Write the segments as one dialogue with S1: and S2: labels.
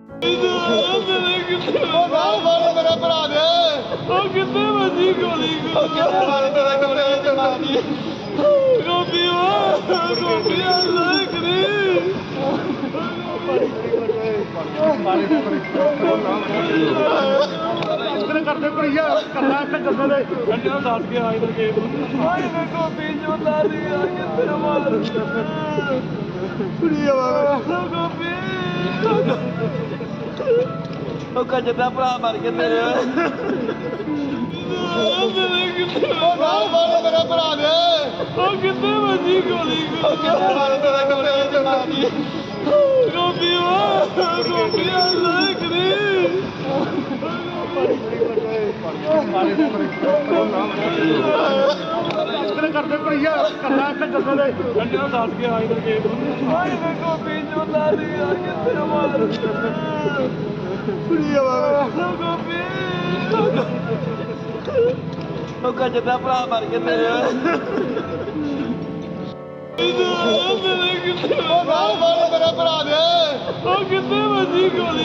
S1: मेरा भरा दे कितने बजी गोली गोपी गोपी करते भैया करना जब दस के आए गोपी जो गोपी जितना भरा मर के मेरे मेरा भरा दे कितने बजी गोली गोपी गोपी करते भैया करना जब दस के आए गोपी जो जितना भरा मर के मेरे मेरा भरा दे कितने बजी गोली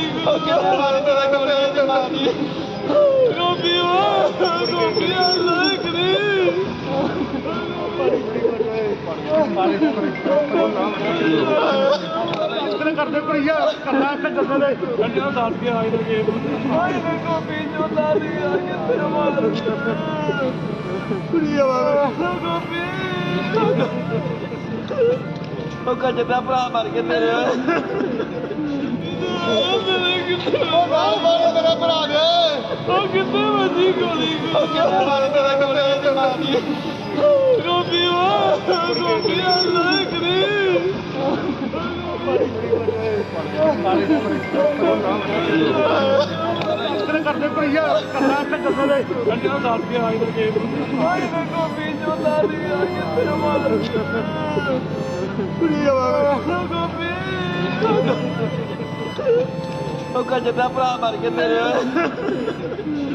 S1: गोपी गोपी करते भैया करना जब दस के आए गोपी जो गोपी जितना भरा मर के मेरे मेरा भरा दे कितने बजी गोली गोपी गोपी करते भैया करना जब दस के आए गोपी जो गोपी जितना भरा मर के मेरे